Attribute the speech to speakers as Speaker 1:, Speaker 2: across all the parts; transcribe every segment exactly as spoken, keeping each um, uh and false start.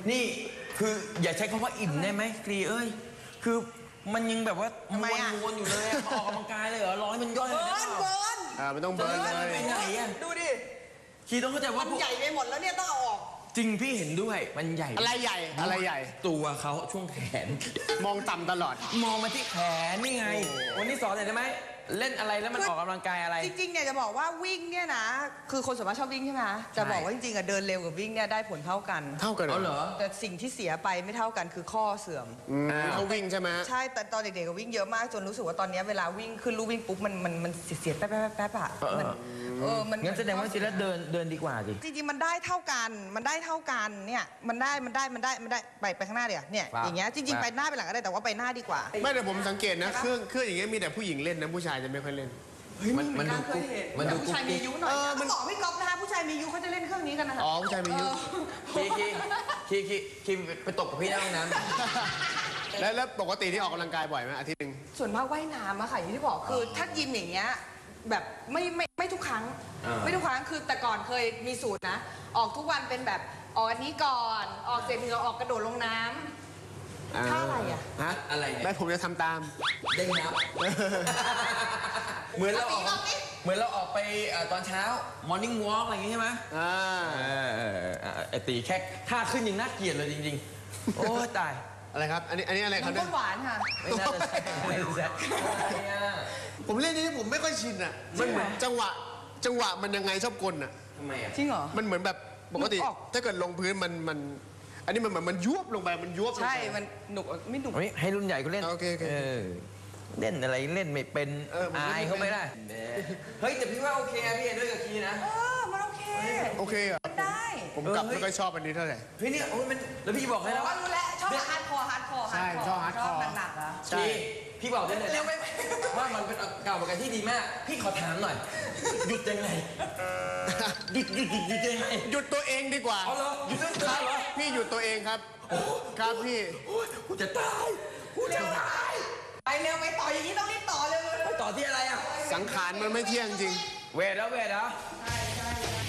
Speaker 1: นี่คืออย่าใช้คำว่าอิ่มได้ไหมกรีเอ้ยคือมันยังแบบว่าม้วนๆอยู่เลยอะออกกำลังกายเลยเหรอร้อยมันย่อยเลย
Speaker 2: เบิร์นเบิร์น
Speaker 3: อ่าไม่ต้องเบิร์นเลย
Speaker 1: ไปไหนอะ
Speaker 2: ดูดิ
Speaker 1: คีต้องเข้าใจว่า
Speaker 2: มันใหญ่ไปหมดแล้วเนี่ยต้องเอาออก
Speaker 1: จริงพี่เห็นด้วยมันใหญ่
Speaker 3: อะไรใหญ่อะไรใหญ่
Speaker 1: ตัวเขาช่วงแขน
Speaker 3: มองต่ำตลอด
Speaker 1: มองมาที่แขนนี่ไงวันนี้สอนหน่อยได้ไหมเล่นอะไรแล้วมันออกกำลังกายอะไร
Speaker 2: จริงๆเนี่ยจะบอกว่าวิ่งเนี่ยนะคือคนส่วนมากชอบวิ่งใช่ไหมจะบอกว่าจริงๆอะเดินเร็วกับวิ่งเนี่ยได้ผลเท่ากัน
Speaker 3: เท่ากัน
Speaker 1: เหรอ
Speaker 2: แต่สิ่งที่เสียไปไม่เท่ากันคือข้อเสื่อม
Speaker 3: เขาวิ่งใช่ไหม
Speaker 2: ใช่แต่ตอนเด็กๆก็วิ่งเยอะมากจนรู้สึกว่าตอนนี้เวลาวิ่งขึ้นลู่วิ่งปุ๊บมันมันมันเสียดแป๊บแป๊บแป๊บอะมันเออมัน
Speaker 1: งั้นแสดงว่าจริงแล้วเดินเดินดีกว่าดิ
Speaker 2: จริงๆมันได้เท่ากันมันได้เท่ากันเนี่ยมันได้มันได้มันได้มันได้ไปไปข้างหน้าเดี๋ยวเนี่ยอย่างเงี้ยจริงๆไปหน้าไปหลังก็ได้แต่ว่าไปหน้าดีกว่า
Speaker 3: ไม่แต่ผมสังเกตนะเครื่องเครื่องอย่างเงี้ยมีแต่ผู้หญิงเล่นนะผู้ชายจะไม่ค่อยเล่น
Speaker 1: มันมันดูกุ๊กมันดู
Speaker 2: ผู้ชายมีอายุหน่อยต้องบอกพี่ก๊อฟนะคะผู้ชายมีอายุเขาจะเล่นเครื่องนี้กันนะคะ
Speaker 3: อ๋อผู้ชายมีอายุ
Speaker 1: คีคีคีคีคีไปตกกับพี่ในห้องน้ำ
Speaker 3: แล้วแล้วปกติที่ออกกำลังกายบ่อยไหมอาทิตย์นึง
Speaker 2: ส่วนมากว่ายน้ำอะค่ะอย่างที่บอกคือถ้ายิมอย่างเงี้ยแบบไม่ไม่ไม่ทุกครั้งไม่ทุกครั้งคือแต่ก่อนเคยมีสูตรนะออกทุกวันเป็นแบบออกอันนี้ก่อนออกเสร็จเหงื่อออกกระโดดลงน้ำท่าอะไรอะ
Speaker 3: ฮะ
Speaker 1: อะไรเนี่ย
Speaker 3: ไม่ผมจะทำตาม
Speaker 1: เด้งนับเหมือนเราออกเหมือนเราออกไปตอนเช้ามอร์นิ่งวอล์กอะไรอย่างงี้ใช่ไหม
Speaker 3: อ่า
Speaker 1: ไอตีแค่ท่าขึ้นยังน่าเกลียดเลยจริงๆโอ้ตาย
Speaker 3: อะไรครับอันนี้อันนี้อะไรครับ
Speaker 2: น้ำหวานค่ะ
Speaker 1: ไม่น่าจะใช่ไม่น่าจะใช่
Speaker 3: ผมเล่นนี้ผมไม่ค่อยชินอ่ะมันเหมือนจังหวะจังหวะมันยังไงชอบกลอ่ะ
Speaker 1: ทำไมอ่ะ
Speaker 2: จริงเหรอ
Speaker 3: มันเหมือนแบบปกติถ้าเกิดลงพื้นมันมันอันนี้มันเหมือนมันยุบลงไปมันยุบ
Speaker 2: ใช่มันหนุกไม่หนุก
Speaker 1: ให้รุ่นใหญ่ก็เล่น
Speaker 3: โอเคโอเค
Speaker 1: เล่นอะไรเล่นไม่เป็นอายเขาไม่ได้เฮ้ยแต่พี่ว่าโอเคพี่เห็นด้วยกับคีนะ
Speaker 2: เออมันโอเค
Speaker 3: โอเคเหรอ
Speaker 2: ได้
Speaker 3: ผมกลับไม่ค่อยชอบอันนี้เท่าไหร่
Speaker 1: พี่เนี่ยโอ้ยมันแล้วพี่บอกให้แล้ว
Speaker 2: ว่ารู้แล้วชอบฮาร์ดคอร์ฮาร์ดคอร์
Speaker 3: ใช่ชอบฮาร์ดคอร์
Speaker 2: หนักๆอ่ะ
Speaker 1: ใช่พี่บอกได้เลยว่ามันเป็นเก่าเหมือนกันที่ดีมากพี่ขอถามหน่อยหยุดยังไงหยุดหยุดหยุดหยุดยังไง
Speaker 3: หยุดตัวเองดีกว่า
Speaker 1: เอาเหรอหยุดตัวเองเหรอ
Speaker 3: พี่หยุดตัวเองครับครับพี่
Speaker 1: กูจะตายกูจะตาย
Speaker 2: ไปเร็วไปต่ออย่างนี้ต้องรีบต่อเร็ว
Speaker 1: ไปต่อที่อะไรอ่ะ
Speaker 3: สังขารมันไม่เที่ยงจริง
Speaker 1: เวทแล้วเวทแล้ว
Speaker 2: ใช่ใช่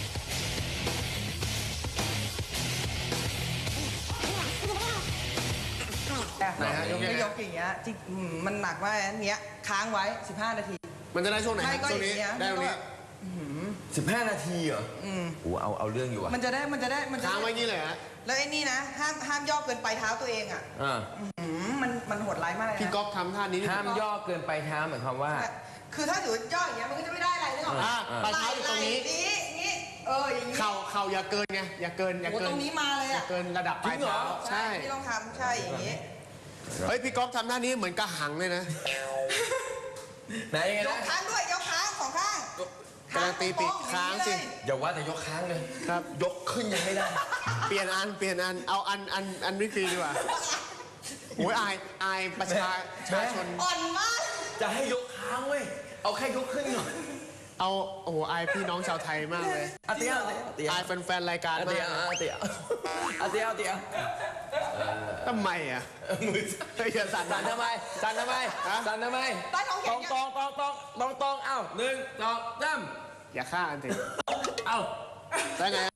Speaker 3: ไหนฮะยก
Speaker 2: ไม่ยกอย่างเงี้ยจริงมันหนักว่าอันเนี้ยค้างไว้สิบห้านาที
Speaker 3: มันจะได้ช่วงไหนช่วงนี้ได้ตรงนี้
Speaker 1: สิบห้านาทีเหรออืมโอ้เอาเอาเรื่องอยู่อ่ะ
Speaker 2: มันจะได้มันจะได้มัน
Speaker 3: ค้างไว้งี้เลยฮะ
Speaker 2: แล้วไอ้นี่นะห้ามห้ามย่อเกินไปเท้าตัวเองอ่ะ
Speaker 1: อ่า
Speaker 2: มันมันโหดร้ายมากเลย
Speaker 3: พี่ก๊อฟทำท่านี้
Speaker 1: ห้ามย่อเกินไปเท้าหมายความว่า
Speaker 2: คือถ้าถือย่ออย่างเงี้ยมันก็จะไม่ได้อะไรนึกออกไหม
Speaker 3: ปลายเท้าอยู่ตรงนี้
Speaker 2: นี้นี้เอออย่างนี้
Speaker 3: เข่าเข่าอย่าเกินไงอย่าเกินอย่าเกิน
Speaker 2: ตรงนี้มาเลยอ่ะ
Speaker 3: เกินระดับปลายเท้า
Speaker 2: ใช่ที่ต้องทำใช่อย่างนี้
Speaker 3: เฮ้ยพี่ก๊อฟทำท่านี้เหมือนกระหังเลยนะ
Speaker 1: ไหนยังไง
Speaker 2: ยกค้างด้วยยกค้างสองข้าง
Speaker 3: กำลังตีปีกค้างสิ
Speaker 1: อย่าว่าแต่ยกค้างเลย
Speaker 3: ครับ
Speaker 1: ยกขึ้นยังไม่ได้
Speaker 3: เปลี่ยนอันเปลี่ยนอันเอาอันอันอันวิกฤตดีกว่าโอ้ยอายอายประชาชน
Speaker 2: อ่อนมาก
Speaker 1: จะให้ยกค้างเว้ยเอาแค่ยกขึ้นหน่อย
Speaker 3: เอาโอ้โหอายพี่น้องชาวไทยมากเลย
Speaker 1: อาเตีย
Speaker 3: อายแฟนๆรายการ
Speaker 1: อาเตียอาเตียอาเตียอาเตีย
Speaker 3: ทำไมอ่ะมืออย่าสั่น
Speaker 1: สั่นทำไมสั่นทำไมสั่นทำไมตองตองตองตองตองตองเอ้าหนึ่งสองสาม
Speaker 3: อย่าฆ่าอันถึง
Speaker 1: เอ้า
Speaker 3: ได้ไง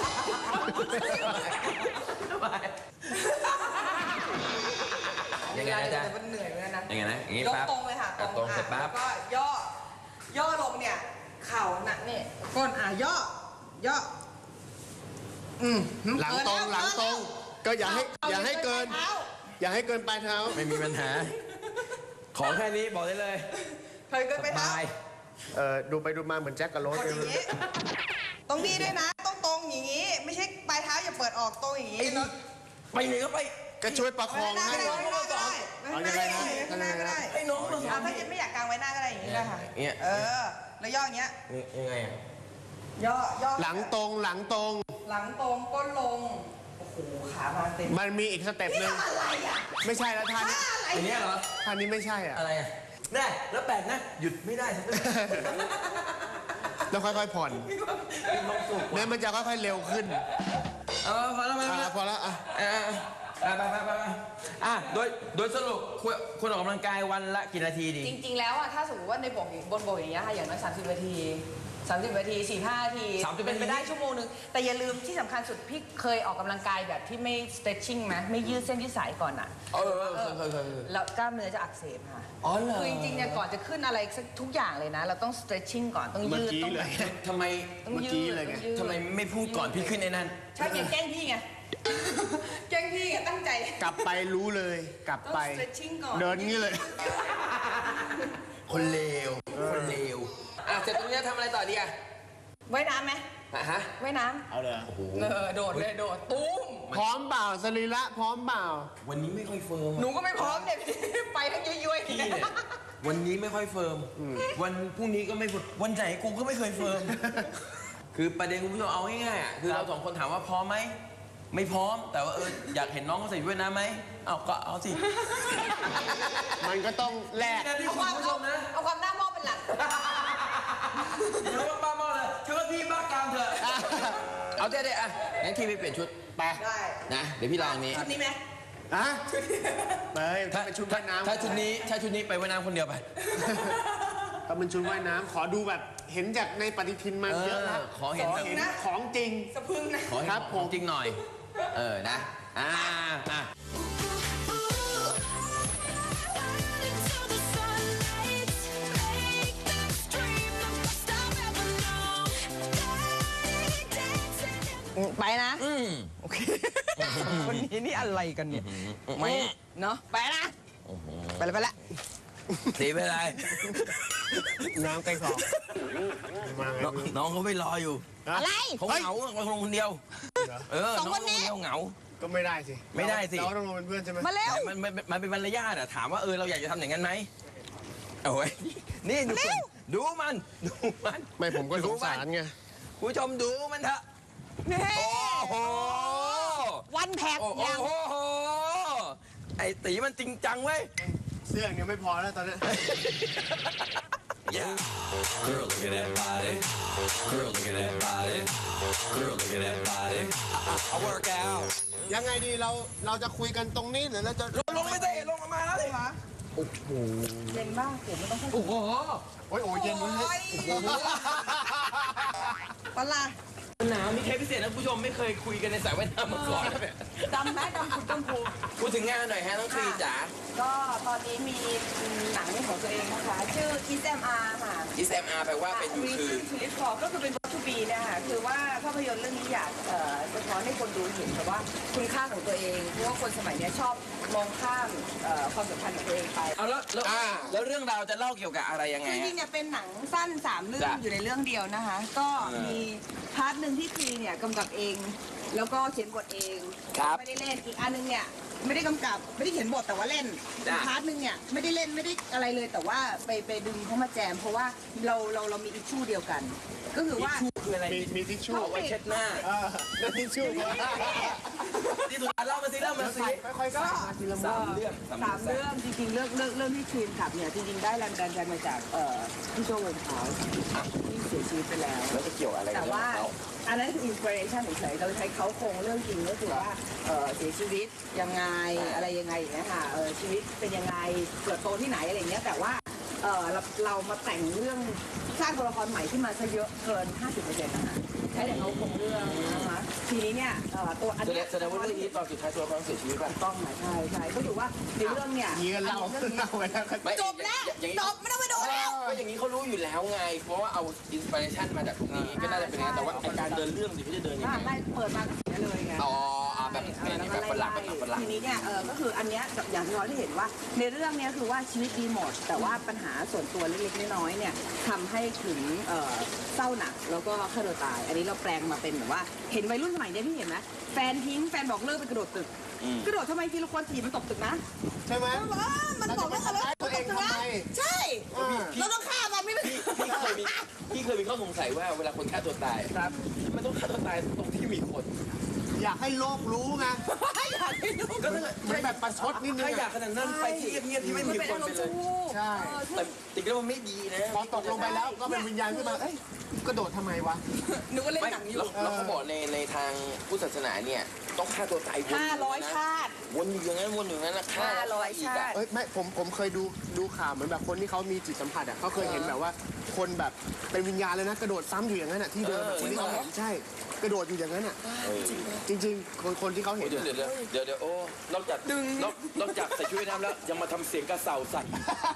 Speaker 1: ทำไมยังไงนะจ๊ะ
Speaker 2: มันเหนื่อยเหมือนกันนะ
Speaker 1: ยังไงนะอย่างงี้
Speaker 2: ปั๊บตรงเลยค่ะ
Speaker 1: ตรงเสร็จปั๊บ
Speaker 2: ก็ย่อย่อลงเนี่ยเข่าหนักเนี่ยก้นอ่ะย่อย่ออืม
Speaker 3: หลังตรงหลังตรงก็อย่าให้อย่าให้เกินอย่าให้เกินปลายเท้า
Speaker 1: ไม่มีปัญหาขอแค่นี้บอกได้เลย
Speaker 2: เคยเกินไปเท้า
Speaker 3: เออดูไปดูมาเหมือนแจ็คกับโรส
Speaker 2: อย่างนี้ตรงนี้ด้วยนะต้องตรงอย่างนี้ไม่ใช่ปลายเท้าอย่าเปิดออกตรงอย่างนี้
Speaker 1: ไปไหนก็ไป
Speaker 3: ก็ช่วยประคองให้
Speaker 2: น้องก็ได้
Speaker 3: เอายังไงนะ
Speaker 2: ข้างหน้าก็ได้
Speaker 1: ไอ้น้อง
Speaker 2: ถ้าจะไม่อยากกางไว้หน้าก็ได้อย่างนี้ได้ค่ะเออแล้วย่ออย่างเงี้ย
Speaker 1: ยังไง
Speaker 2: ย่อย่อ
Speaker 3: หลังตรงหลังตรง
Speaker 2: หลังตรงก้นลงโอ้โหขามาเต็ม
Speaker 3: มันมีอีกสเต็ปหนึ่งไม่ใช่แล้วท่านี้
Speaker 1: อันนี้เหรอ
Speaker 3: ท่านี้ไม่ใช่อ่ะ
Speaker 1: อะไรอ่ะได้แล้วแปลกนะหยุดไม่ได้
Speaker 3: แล้วค่อยๆผ่อนเนี่ยมันจะค่อยๆเร็วขึ้น
Speaker 1: เออพอแล้ว
Speaker 3: พอแล้วอ่ะ
Speaker 1: ไปไปไปไปอ่ะโดยโดยสรุปควรออกกำลังกายวันละกี่นาทีดี
Speaker 2: จริงๆแล้วอ่ะถ้าสมมติว่าในบกบนบกอย่างเงี้ยค่ะอย่างน้อยสามสิบนาทีสามสิบนาทีสี่ห้านาที
Speaker 1: สามสิบ
Speaker 2: เป็นไป
Speaker 1: นาที
Speaker 2: ได้ชั่วโมงนึงแต่อย่าลืมที่สำคัญสุดพี่เคยออกกำลังกายแบบที่ไม่ stretching ไหมไม่ยืดเส้นยืดสายก่อนอ่ะ
Speaker 1: เออเออเคยเคยเคยเคย
Speaker 2: แล้วกล้ามเนื้อจะอักเสบค่ะ
Speaker 1: อ๋อเหรอ
Speaker 2: คือจริงๆเนี่ยก่อนจะขึ้นอะไรสักทุกอย่างเลยนะ เราต้อง stretching ก่อนต้องยืด
Speaker 3: เมื่อกี้
Speaker 2: ต้อง
Speaker 3: เลย
Speaker 1: ทำไม
Speaker 2: ต้อง
Speaker 3: เมื่อ
Speaker 2: ยื
Speaker 3: กี้
Speaker 2: ด
Speaker 3: เลยไง
Speaker 2: ต้องยืด
Speaker 1: ทำไมไม่พูดก่อนพี่ขึ้นในนั้น
Speaker 2: ใช่ไงแกล้งพี่ไง แกล้งพี่ไงตั้งใจ
Speaker 3: กลับไปรู้เลย กลับไป
Speaker 2: ต้อง stretching ก่อน
Speaker 3: เดินงี้เลย
Speaker 1: คนเลวคนเลวอ่ะเสร็จตรงนี้ทำอะไรต่อดีอ่ะ
Speaker 2: ว่ายน้ำไหม
Speaker 1: อ่ะฮะ
Speaker 2: ว่ายน้
Speaker 3: เอาเลย
Speaker 1: โอ้โห
Speaker 2: ำเออโดดเลยโดดตุ้ม
Speaker 3: พร้อมเปล่าสรีระพร้อมเปล่า
Speaker 1: วันนี้ไม่ค่อยเฟิร์ม
Speaker 2: หนู
Speaker 1: อะ
Speaker 2: ก็ไม่พร้อมเนี่ย พี่ไปทั้งย้วยๆ
Speaker 1: พี่เนี่ยวันนี้ไม่ค่อยเฟิร์มวันพรุ่งนี้ก็ไม่เฟิร์มวันไหนกูก็ไม่เคยเฟิร์มคือประเด็นคุณผู้ชมเอาง่ายๆอ่ะคือเราสองคนถามว่าพร้อมไหมไม่พร้อมแต่ว่าเอออยากเห็นน้องเขาใส่ชุดว่ายน้ำไหมเอาก็เอาสิ
Speaker 3: มันก็ต้องแลก
Speaker 1: นี่นะที่
Speaker 2: เอา
Speaker 1: คุ
Speaker 2: ความ
Speaker 1: ณผู้ชมนะ
Speaker 2: เอาความหน้ามองเป็นหลัก
Speaker 1: อย่าเรียกว่าป้าเมาเลยเชื่อว่าพี่บ้ากามเถอะเอาเด็ดๆอ่ะงั้นทีไปเปลี่ยนชุดไป
Speaker 2: ได้
Speaker 1: นะเดี๋ยวพี่ลองอันนี้
Speaker 2: ชุดนี้ไหม
Speaker 3: ฮะเฮ้ยถ้าเป็นชุดว่ายน้ำ
Speaker 1: ถ้าชุดนี้ถ้าชุดนี้ไปว่ายน้ำคนเดียวไป
Speaker 3: ถ้าเป็นชุดว่ายน้ำขอดูแบบเห็นจากในปฏิทินมาเยอะแล้ว
Speaker 1: ขอเห็น
Speaker 3: ขอ
Speaker 1: แบบ
Speaker 3: เห็นของจริง
Speaker 2: สะพึงนะ
Speaker 1: ขอเห็น
Speaker 3: ครับ
Speaker 1: ข
Speaker 3: ผ
Speaker 1: อง
Speaker 3: ม
Speaker 1: จริงหน่อย เออนะอ่าอ่ะ
Speaker 2: ไปนะ
Speaker 1: อืม
Speaker 2: โอเค คนนี้นี่อะไรกันเนี่ย ไม่ เนาะไปนะ ไปแล้วไปแล้ว
Speaker 1: สีเป็นไร
Speaker 3: น้ำใกล้คอมาไง
Speaker 1: น้องน้องเขาไม่รออยู่
Speaker 2: อะไร
Speaker 1: เขาเหงาเขาลงคนเดียว เออ
Speaker 2: สอง
Speaker 1: น้อง
Speaker 2: คนนี้
Speaker 1: เขาเหงา
Speaker 3: ก็ไม่ได้สิ
Speaker 1: ไม่ได้สิ
Speaker 3: เราต้องลงเป็นเพื่อนใช่ไหม
Speaker 2: มาเร็ว
Speaker 1: แต่มันมันมันเป็นมารยาทอะถามว่าเออเราอยากจะทำอย่างนั้นไหมโอ้ยนี่ดู
Speaker 2: เร็ว
Speaker 1: ดูมันดูมัน
Speaker 3: ไม่ผมก็สงสารไง
Speaker 1: คุณผู้ชมดูมันเถอะ
Speaker 2: นี่
Speaker 1: โอ้โห
Speaker 2: วันแพ็ก
Speaker 1: โอ้โห
Speaker 2: ยัง
Speaker 1: ไอ้ตีมันจริงจังเว้ย
Speaker 3: เสื้ออย่างเดียวไม่พอแล้วตอนนี้
Speaker 4: Yeah. Girl, look at that body. Girl, look at that body. Girl, look at that body. I, I, I work out.
Speaker 3: ยังไงดีเราเราจะคุยกันตรงนี้หรือเราจะ
Speaker 1: ลงลงไม่ได้ลงมาแล้วเลย
Speaker 3: โอ้โห
Speaker 2: เย็นบ้างผมไม่ต้องพูด
Speaker 1: โอ้โห
Speaker 3: โอ้ยโอ้ยเย็นเว้ย
Speaker 2: ปะล่ะ
Speaker 1: หนาวนี่เทปพิเศษนะคุณผู้ชมไม่เคยคุยกันในสายว่ายน้ำมาก่อนเลย
Speaker 2: ดำไหมดำคุณต้นภู
Speaker 1: พูดถึงงานหน่อยฮะน้องครีจ๋า
Speaker 2: ก็ตอนนี้มีหนังของตัวเองนะคะ ชื่อ Kiss เอ็ม อาร์ ค่ะ
Speaker 1: อีแซมอาร์แปลว่าเป็นยู
Speaker 2: มี
Speaker 1: คือ
Speaker 2: ชื่อชีวิตพอก็คือเป็นวัตถุบีนะคะคือว่าภาพยนตร์เรื่องนี้อยากเอ่อสะท้อนให้คนดูเห็นแต่ว่าคุณค่าของตัวเองเพราะว่าคนสมัยเนี้ยชอบมองข้ามเอ่อความสัมพันธ์ของตัวเองไป
Speaker 1: เอาแล้วแล้วแล้วเรื่องราวจะเล่าเกี่ยวกับอะไรยังไง
Speaker 2: คือจริ
Speaker 1: ฮะ
Speaker 2: งๆเนี่ยเป็นหนังสั้นสามเรื่อง
Speaker 1: จ้ะ
Speaker 2: อยู่ในเรื่องเดียวนะคะ ก็
Speaker 1: เออ
Speaker 2: มีพาร์ทหนึ่งที่ทีเนี่ยกำกับเอง แล้วก็เขียนบทเอง
Speaker 1: ครับ
Speaker 2: ไม่ได้เล่นอีกอันนึงเนี่ยไม่ได้กำกับไม่ได้เขียนบทแต่ว่าเล่น
Speaker 1: จ้ะ
Speaker 2: อีกพาร์ทหนึ่งเนี่ยไม่ได้เล่นไม่ได้อะไรเลยแต่ว่าไปไปดึงเขามาแจม เพราะว่าเราเราเรามีอิชชูเดียวกัน ก็คือว่า
Speaker 1: คืออะไร
Speaker 3: มีมีทิชชู่
Speaker 1: เอาไว้เช็ดหน้า
Speaker 3: เออนั่นทิชชู่
Speaker 1: ที่สุดเล่ามาสิเล่ามาสิ
Speaker 3: ค่อยๆใส่มาทีละ
Speaker 1: สา
Speaker 3: มื
Speaker 1: ม
Speaker 3: อ
Speaker 1: เรื่อง
Speaker 2: สามเรื่องจริงๆเรื่องเรื่องเรื่องที่ครีมขับเนี่ยจริงๆได้แรงดันใจมาจากเอ่อพี่โจวงเขาที่เสียชีวิตไปแล้ว
Speaker 1: แล้วจะเกี่ยวอะไรกับ
Speaker 2: แต่
Speaker 1: เรื่อง
Speaker 2: ว่า
Speaker 1: ของเขา
Speaker 2: อันนั้นคืออินสปิเรชันเฉยๆเราใช้เขาโครงเรื่องจริงก็คือว่าเอ่อเสียชีวิตยังไงอะไรยังไงอย่างเงี้ยค่ะเออชีวิตเป็นยังไงเกิดโตที่ไหนอะไรอย่างเงี้ยแต่ว่าเออเราเรามาแต่งเรื่องสร้างตัวละครใหม่ขึ้นมาซะเยอะเกิน ห้าสิบเปอร์เซ็นต์ นะคะใช้แต่เขาโครงเรื่องนะคะทีนี้เนี่ยเอ่อตัวอัน
Speaker 1: แสด
Speaker 2: เนี้
Speaker 1: งแสดงว่าเรื่องนี้ตอนสุดท้ายตัวเขาเสียชีวิตป่ะ
Speaker 2: ต้องหมายใช่ใช่ก็ถือว่าในเรื่องเนี่ย
Speaker 3: เงี้ยเล่า
Speaker 2: อันนี้เรื่องนี้
Speaker 3: เล่าไปแล้ว
Speaker 1: ไม่
Speaker 2: จบแล้ว
Speaker 1: อย่างนี้
Speaker 2: จบไม่ต้องไปดูแล้ว
Speaker 1: ก็อย่างนี้เขารู้อยู่แล้วไง เพราะว่าเอาอินสปิเรชันมาจากตรงนี้ก็น่าจะเป็นอย่างนั้นแต่ว่าไอ้การเดินเรื่องสิเขาจะเดินยัง
Speaker 2: อ่า
Speaker 1: ไง
Speaker 2: ไล่เปิดมาก็เสียเลยไง
Speaker 1: อ๋ออ่าแบบเป็นแบบฝรั่งแบบฝรั่ง
Speaker 2: ทีนี้เนี่ยเออก็คืออันเนี้ยอย่างที่เราได้เห็นว่าในเรื่องเนี้ยคือว่าชีวิตดีหมด แต่ว่าปัญหาส่วนตัวเล็กๆน้อยๆเนี่ยทำให้ถึงเอ่อเศร้าหนักแล้วก็ฆ่าตัวตาย อันนี้เราแปลงมาเป็นแบบว่าเห็นวัยรุ่นสมัยเนี้ยพี่เห็นไหมแฟนทิ้งแฟนบอกเลิกไปกระโดดตึก กระโดดทำไมทีละคนทีมันตกตึกนะ
Speaker 3: ใช่ไหม
Speaker 2: เออมันตกแล้ว
Speaker 3: เราจะไปทำร้ายตัวเองทำไม
Speaker 2: ใช่
Speaker 3: เออ
Speaker 2: เราต้องฆ่ามันไม่เป็น
Speaker 1: พี่พี่เคยมีพี่เคยมีข้อสงสัยว่าเวลาคนฆ่าตัวตายครับมันต้องฆ่าตัวตายตรงที่มีคน
Speaker 3: อยากให้โลกรู้ไง
Speaker 2: อยากให้ดู
Speaker 1: ก็ถ้าเกิด
Speaker 3: มันแบบประชดนิดนึง
Speaker 1: ถ้าอยา
Speaker 3: อะ
Speaker 1: กขนาดนั้นไปที่เงียบๆที่ไม่มีคนไปเลย
Speaker 3: ใช่
Speaker 1: แต่จริงๆแล้วมันไม่ดีนะ
Speaker 3: พอตกลงไปแล้วก็เป็นวิญญาณขึ้นมาเอ้ยกระโดดทำไมวะ
Speaker 2: นึกว่าเล่น
Speaker 1: ไม่
Speaker 2: หนังอยู่
Speaker 1: แล้วแล้วเขาบอกในในทางพุทธศาสนาเนี่ยต้องฆ่าตัวตายวน
Speaker 2: ห้าร้อย
Speaker 1: นะ
Speaker 2: ชาติ
Speaker 1: วนอยู่อย่างนั้นวนอยู่อย่างนั้นนะฆ่า
Speaker 2: ห้าร้อย
Speaker 1: อีก
Speaker 2: ชา
Speaker 1: อะ
Speaker 2: ติ
Speaker 3: เอ้ยไม่ผมผมเคยดูดูข่าวเหมือนแบบคนที่เขามีจิตสัมผัสอ่ะเขาเคยเห็นแบบว่าคนแบบเป็นวิญญาณเลยนะกระโดดซ้ำอยู่อย่างนั้นอ่ะที่เดิมอะคนที่เขาเห็นใช่กระโดดอยู่อย่างนั้นอ่ะ
Speaker 1: เออ
Speaker 3: จริงๆ คนคนที่เขาเห็น
Speaker 1: เดี๋ยว
Speaker 3: อะ
Speaker 1: เดี๋ยวเดี๋ยวเดี๋ยวโอ้นอกจากดึงนอกนอกจากใส่ชุดว่ายน้ำแล้วยังมาทำเสียงกระเสาใส่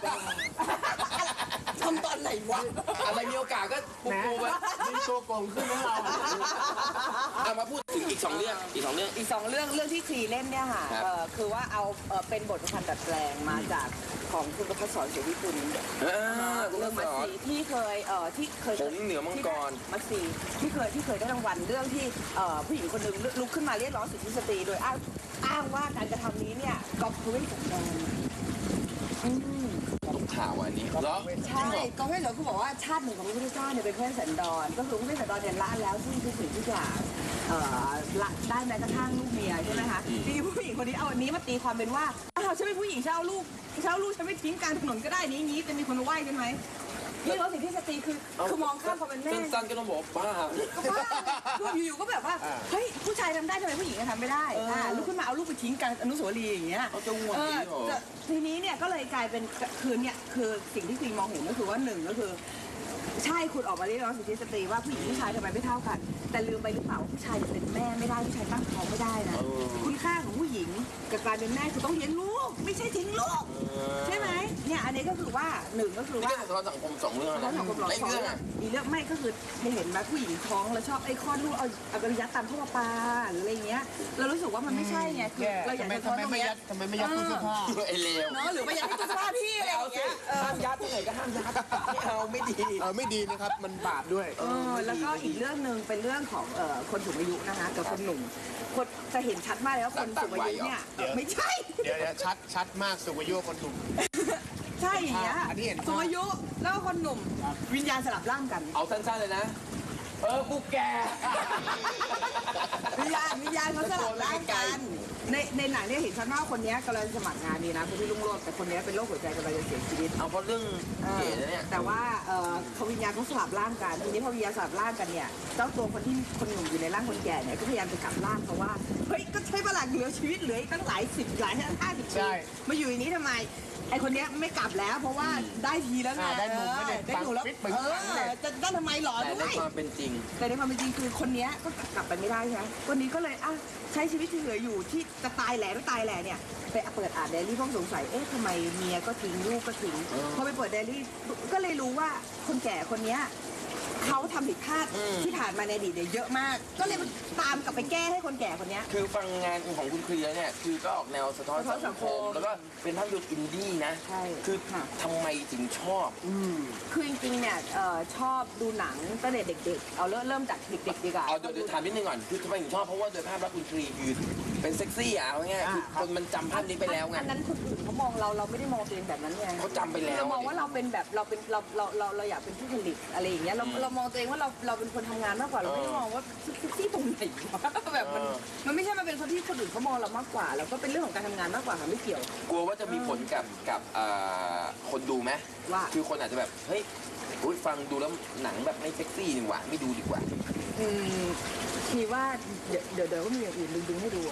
Speaker 2: ทำตอนไหนวะ
Speaker 1: อะไรมีโอกาสก็ปู
Speaker 3: แหม
Speaker 1: ปูไป
Speaker 3: มีตัวโกงขึ้นนะเรา
Speaker 1: เอามาพูดถึงอีกสองเรื่องอีกสองเรื่อง
Speaker 2: อีกสองเรื่องเรื่องที่คลีเล่นเนี่ยค่ะ
Speaker 1: ครับ
Speaker 2: เอ่อคือว่าเอาเอ่อเป็นบทประพันธ์ดัดแปลงมาจากของคุณประพัฒน์สอนเสรีกุล
Speaker 1: อ่าคุณ
Speaker 2: เรื่อง
Speaker 1: ส
Speaker 2: มัส
Speaker 1: อน
Speaker 2: สีที่เคยเอ่อที่เคย
Speaker 1: หงส์เหนือมังกร
Speaker 2: ที่ได้มัสสีที่เคยที่เคยได้รางวัลเรื่องที่เอ่อผู้หญิงคนหนึ่งลุกขึ้นมาเรียกร้องสิทธิสตรีโดยอ้างอ้างว่าการกระทำนี้เนี่ยก็คือไม่สมควรอืม
Speaker 1: ข่าวอันนี้เหรอ
Speaker 2: ใช่ก็ไม่เหลือคุณบอกว่าชาติหนึ่งของพระพุทธเจ้าเนี่ยเป็นเพื่อนสันดรก็คือเพื่อนสันดรเนี่ยละแล้วซึ่งทุกสิ่งทุกอย่างเอ่อละได้แม้กระทั่งลูกเมียใช่ไหมคะทีนี้ผู้หญิงคนนี้เอาอันนี้มาตีความเป็นว่าอ้าวฉันเป็นผู้หญิงฉันเอาลูกฉันเอาลูกฉันไม่ทิ้งกลางถนนก็ได้นี้นี้จะมีคนมาไหว้ใช่ไหมนี่เราสิ่งที่สตรีคือคือมองข้ามความเป็นแม่
Speaker 1: สั้นๆก็ต้องบอกบ้า
Speaker 2: ก็บ้าคืออยู่ๆก็แบบว่าเฮ้ยผู้ชายทำได้ทำไมผู้หญิงจะทำไม่ได้อ่าลุกขึ้นมาเอาลูกไปทิ้งกลางอนุสาวรีย์อย่างเงี้ย
Speaker 1: เขาจะง่วง
Speaker 2: เอ
Speaker 1: จริ
Speaker 2: อง
Speaker 1: เหรอ
Speaker 2: จะทีนี้เนี่ยก็เลยกลายเป็นคือเนี่ยคือสิ่งที่คุยมองเห็นก็คือว่าหนึ่งก็คือ ใช่คุณออกมาเรียกร้องสิทธิสตรีว่าผู้หญิงผู้ชายทำไมไม่เท่ากัน แต่ลืมไปหรือเปล่าว่าผู้ชายจะเป็นแม่ไม่ได้ผู้ชายตั้งท้องไม่ได้นะคุณค่าของผู้หญิงกับการเป็นแม่คือต้องเลี้ยงลูกไม่ใช่ทิ้งลูกใช่ไหมเนี่ยอันนี้ก็คือว่าหนึ่งก็คือ
Speaker 1: นี่
Speaker 2: ว่า
Speaker 1: ก็สะท้อนสังคมสองเรื่อง
Speaker 2: แล้ว
Speaker 1: นะ
Speaker 2: ของกฎหมาย
Speaker 1: ไอ้
Speaker 2: สอง
Speaker 1: เรื่อง
Speaker 2: เรื่อ
Speaker 1: อะ
Speaker 2: งอีกเรื่องไม่ก็คือเห็นไหมผู้หญิงท้องแล้วชอบไอ้คลอดลูกเอาเอากระยัดตามท่อประปาหรืออะไรเงี้ยเรารู้สึกว่ามันไม่ใช่ไงคือ
Speaker 3: แย่
Speaker 2: เราอยาก
Speaker 3: ทำไม
Speaker 2: จะท้
Speaker 3: ทำ
Speaker 2: อน
Speaker 3: ไม
Speaker 2: ตรง
Speaker 3: ไม่
Speaker 2: เนี้
Speaker 3: ยั
Speaker 2: ย
Speaker 3: ดทำไมไม่ยัดตู้เสื้อผ้า
Speaker 1: ไอ้เลว
Speaker 2: เนาะหรือไม่อยากให้ตัวสภาพพี่อะไรอย่างเงี้ยเออ
Speaker 1: ห้ามยัดที่ไหนก็ห้ามยัดไม่เอาไม่ดี
Speaker 3: เออไม่ดีนะครับ มันบาปด้วย
Speaker 2: เออแล้วก็อีกเรื่องหนึ่งเป็นเรื่องของเอ่อคนสูงอายุนะคะกับคนหนุ่มคนจะเห็นชัดมากเลยว่าคนสูงอายุเนี่ย
Speaker 3: เดี๋ยว
Speaker 2: ไม่ใช่
Speaker 3: เดี๋ยวเดี๋ยวชัดชัดมากสูงอายุคนหนุ่ม
Speaker 2: ใช่อย่างเงี้ย
Speaker 3: อันนี้เห็นภาพ
Speaker 2: สูงอายุแล้วก็คนหนุ่มวิญญาณสลับร่างกัน
Speaker 1: เอาสั้นๆเลยนะ เออกูแก่
Speaker 2: วิญญาณวิญญาณเขาสลับร่างกันในในหนังเนี่ยเห็นชัดมากว่าคนเนี้ยกำลังสมัครงานดีนะคุณพี่ลุงโรจน์แต่คนเนี้ยเป็นโรคหัวใจกำลังจะเสียชีวิต
Speaker 1: เอาเพราะเรื่องเก๋นะเนี่ย
Speaker 2: แต่ว่าเอ่อเขาวิญญาณเขาสลับร่างกันทีนี้พอวิญญาณสลับร่างกันเนี่ยเจ้าตัวคนที่คนหนุ่มอยู่ในร่างคนแก่เนี่ยก็พยายามจะกลับร่างเพราะว่าเฮ้ยก็ใช้เวลาเหลือชีวิตเหลืออีกตั้งหลายสิบหลายห้าสิบ
Speaker 3: ใช่
Speaker 2: ปีมาอยู่อย่างนี้ทำไมไอคนเนี้ยไม่กลับแล้ว เพราะว่าได้ทีแล้วไง
Speaker 3: อ่าได้มุมไม่ได้
Speaker 2: ได้ถูกแล้ว
Speaker 3: ปังปิ๊กปัง
Speaker 2: เอ
Speaker 3: ปังเนี่ย
Speaker 2: อจะได้ทำไมหรอ
Speaker 1: แต่
Speaker 2: ด้
Speaker 1: ใน
Speaker 2: วย
Speaker 1: ความเป็นจริง
Speaker 2: แต่ในความเป็นจริงคือคนเนี้ยก็กลับไปไม่ได้ใช่ไหมวันนี้ก็เลยอ่ะใช้ชีวิตที่เหลืออยู่ที่จะตายแหล่ไม่ตายแหล่เนี่ยไปเปิดอ่านไดอารี่เพราะสงสัยเอ๊ะทำไมเมียก็ทิ้งลูกก็ทิ้ง
Speaker 1: เออ
Speaker 2: พอไปเปิดไดอารี่ก็เลยรู้ว่าคนแก่คนเนี้ยเขาทำผิดพลาด
Speaker 1: อืม
Speaker 2: ที่ผ่านมาในอดีตเนี่ยเยอะมาก ก็เลยตามกลับไปแก้ให้คนแก่คนเนี้ย
Speaker 1: คือฟังงานของคุณเคลียร์เนี่ย คือก็ออกแนวสะท้อน
Speaker 2: สะท้อนสั
Speaker 1: สัง
Speaker 2: ง
Speaker 1: ค
Speaker 2: ค
Speaker 1: ม
Speaker 2: ม
Speaker 1: แล้วก็เป็นภาพยนตร์อินดี้นะ
Speaker 2: ใช่
Speaker 1: คือ
Speaker 2: ค่ะ
Speaker 1: ทำไมถึงชอบ
Speaker 3: อืม
Speaker 2: คือจริงๆเนี่ยเอ่อชอบดูหนังตั้งแต่เด็กๆ เอาเริ่มเริ่มจากเด็กๆดีกว่า
Speaker 1: เอาเดี๋ยวเดี๋ยวถามนิดนึงก่อน คือทำไมถึงชอบ เพราะว่าโดยภาพลักษณ์คุณเคลียร์คือเป็นเซ็กซี่อ่ะเอาง่ายๆคือคนมันจำภาพนี้ไปแล้วไง
Speaker 2: อันนั้นคนอื่นเขามองเราเราไม่ได้มองตัวเองแบบนั้นไง
Speaker 1: เขาจำไปแล้ว
Speaker 2: เรามองว่าเราเป็นแบบเราเป็นเราเราเราเราอยากเป็นผู้ผลิตอะไรอย่างเงี้ยเราเรามองตัวเองว่าเราเราเป็นคนทำงานมากกว่าเราไม่ได้มองว่าเซ็กซี่ตรงไหนวะแบบมันมันไม่ใช่มันเป็นคนที่คนอื่นเขามองเรามากกว่าแล้วก็เป็นเรื่องของการทำงานมากกว่าค่ะไม่เกี่ยว
Speaker 1: กลัวว่าจะมีผลกับกับเอ่อคนดูไหม
Speaker 2: ว่า
Speaker 1: คือคนอาจจะแบบ เฮ้ยอุ๊ยฟังดูแล้วหนังแบบไม่เซ็กซี่ดีกว่า ไม่ดูดีกว่า
Speaker 2: อืมคิดว่าเดี๋ยวเดี๋ยวเดี๋ยวก็มีอย่างอื่นดึงๆให้ดู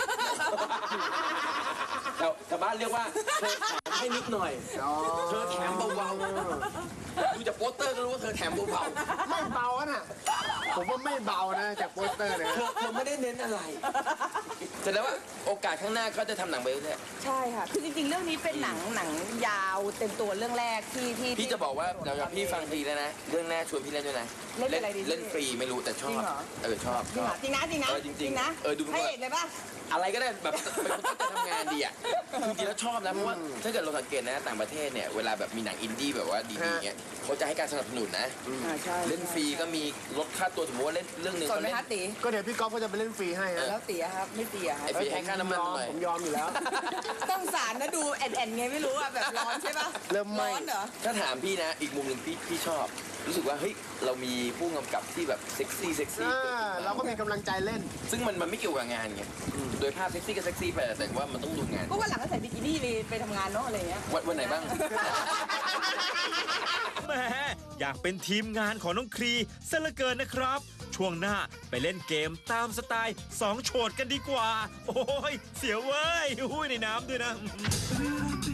Speaker 1: แต่แต่บ้านเรียกว่าเธอแถมให้นิดหน่อย เธอแถมเบาๆ ดูจากโปสเตอร์ก็รู้ว่าเธอแถมเบา
Speaker 3: ไม่เบาอะน่ะ ผมว่าไม่เบานะจากโปสเตอร์เนี่ย
Speaker 1: ๆ เธอเธอไม่ได้เน้นอะไรแสดงว่าโอกาสข้างหน้าก็จะทำหนังไปเรื่อย
Speaker 2: ใช่ค่ะ คือจริงๆ เรื่องนี้เป็นหนังหนังยาวเต็มตัวเรื่องแรกที่ที่
Speaker 1: ๆพี่จะบอกว่าเดี๋ยวพี่ฟังฟรีแล้วนะ เรื่องแรกชวนพี่เล่นด้วยนะ
Speaker 2: เล่นเป็นอะไรดี
Speaker 1: เล่นฟรีไม่รู้แต่ชอ
Speaker 2: จริ
Speaker 1: บ
Speaker 2: งเหรอ
Speaker 1: เออชอบ
Speaker 2: จริงเหรอจริงนะจริงนะ
Speaker 1: เออจริงๆ
Speaker 2: นะ
Speaker 1: เออดู
Speaker 2: ให้เอกเลยป่ะ
Speaker 1: อะไรก็ได้แบบเป็นคนที่จะทำงานดีอ่ะคือจริงๆแล้วชอบนะเพราะว่าถ้าเกิดเราสังเกตนะต่างประเทศเนี่ยเวลาแบบมีหนังอินดี้แบบว่าดีๆเนี่ยเขาจะให้การสนับสนุนนะ
Speaker 2: อ่าใช่
Speaker 1: เล่นฟรีก็มีลดค่าตัวสมมติว่าเล่นเรื่องหนึ่ง
Speaker 2: สน
Speaker 1: เขา
Speaker 2: ไหม
Speaker 1: เล่น
Speaker 2: ฮะตี
Speaker 3: ก็เดี๋ยวพี่ก๊อฟก็จะไปเล่นฟรีให้ฮะ
Speaker 2: แล้วตีอะครับไม่ตีอะอะคะ
Speaker 1: ไอ้ปีให้ค่าน้ำมัน
Speaker 3: ยอม
Speaker 1: หน่อย
Speaker 3: ผมยอมอยู่แล้ว
Speaker 2: ต้องสารนะดูแอนแอนไงไม่รู้อะแบบร้อนใช่ปะ
Speaker 3: เริ่มไหม้
Speaker 2: ร้อนเหรอ
Speaker 1: ถ้าถามพี่นะ อีกมุมหนึ่งพี่พี่ชอบ รู้สึกว่าเฮ้ยเรามีผู้กำกับที่แบบเซ็กซี่เซ็กซี่
Speaker 3: อ่า
Speaker 1: เกิดขึ้นมา
Speaker 3: เราก็มีกำลังใจเล่น
Speaker 1: ซึ่งมันมันไม่เกี่ยวกับงานไงโดยภาพเซ็กซี่ก็เซ็กซี่ไปแต่ว่ามันต้องดูงาน
Speaker 2: ก็วันหลังก็ใส่บิกินี่ไปไปทำงานเนาะอะไรเงี้ย
Speaker 1: วันวันไหนบ้าง
Speaker 5: แหมอยากเป็นทีมงานของน้องครีซะเหลือเกินนะครับ ช่วงหน้าไปเล่นเกมตามสไตล์สองโฉดกันดีกว่า โอ้ย เสียวเว้ยอุ้ยในน้ำด้วยนะ